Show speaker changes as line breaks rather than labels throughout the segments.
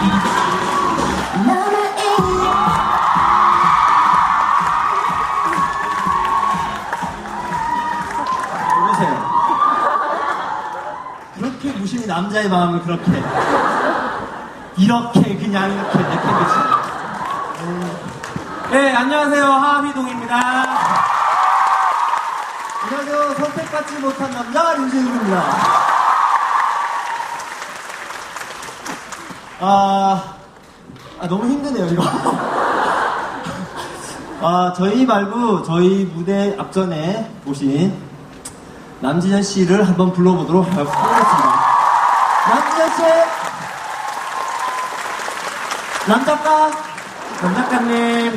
여보세요. 그렇게 무심히 남자의 마음을 그렇게 이렇게 그냥 이렇게 내팽개치네.
네, 안녕하세요. 하하미동입니다.
안녕하세요. 선택받지 못한 남자 류재욱입니다. 너무 힘드네요 이거. 저희 말고 저희 무대 앞전에 오신 남진현 씨를 한번 불러보도록 하겠습니다. 남진현 씨, 남작가,
남작가님.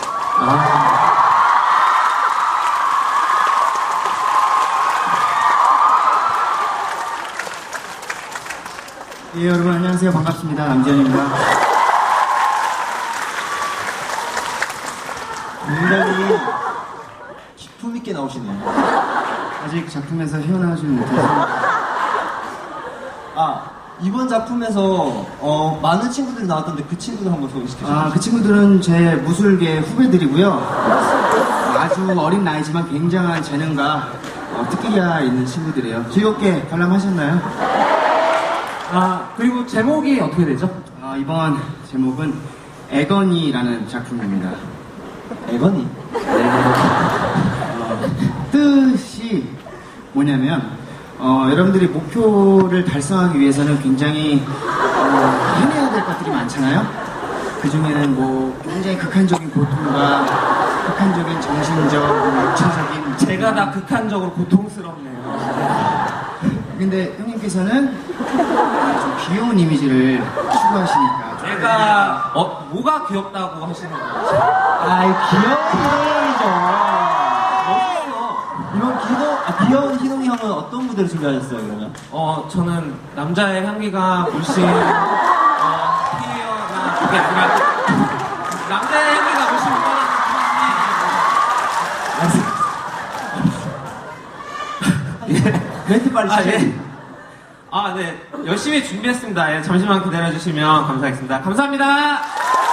예, 여러분 안녕하세요. 반갑습니다. 남지현입니다.
굉장히 기품 있게 나오시네요.
아직 작품에서 헤어나오지 못해서
이번 작품에서 많은 친구들이 나왔던데 그 친구들 한번 소개시켜주세요.
그 친구들은 제 무술계 후배들이고요. 아주 어린 나이지만 굉장한 재능과 특기가 있는 친구들이에요. 즐겁게 관람하셨나요?
그리고 제목이 어떻게 되죠?
이번 제목은 애건이라는 작품입니다.
애건이?
뜻이 뭐냐면 여러분들이 목표를 달성하기 위해서는 굉장히 해내야 될 것들이 많잖아요. 그 중에는 뭐 굉장히 극한적인 고통과 극한적인 정신적, 육체적인
제가 다 극한적으로 고통스럽네요.
근데 형님께서는 좀 귀여운 이미지를 추구하시니까
제가 뭐가 귀엽다고 하시는 거죠?
귀여운 희동이죠. 멋있어. 이번 귀여운 희동이 형은 어떤 무대를 준비하셨어요, 그러면?
저는 남자의 향기가 물씬 피어나 그게 아니라 남자의 향기가 물씬 묻어나는
멘트 빨리 시작해.
네. 열심히 준비했습니다. 잠시만 기다려주시면 감사하겠습니다. 감사합니다.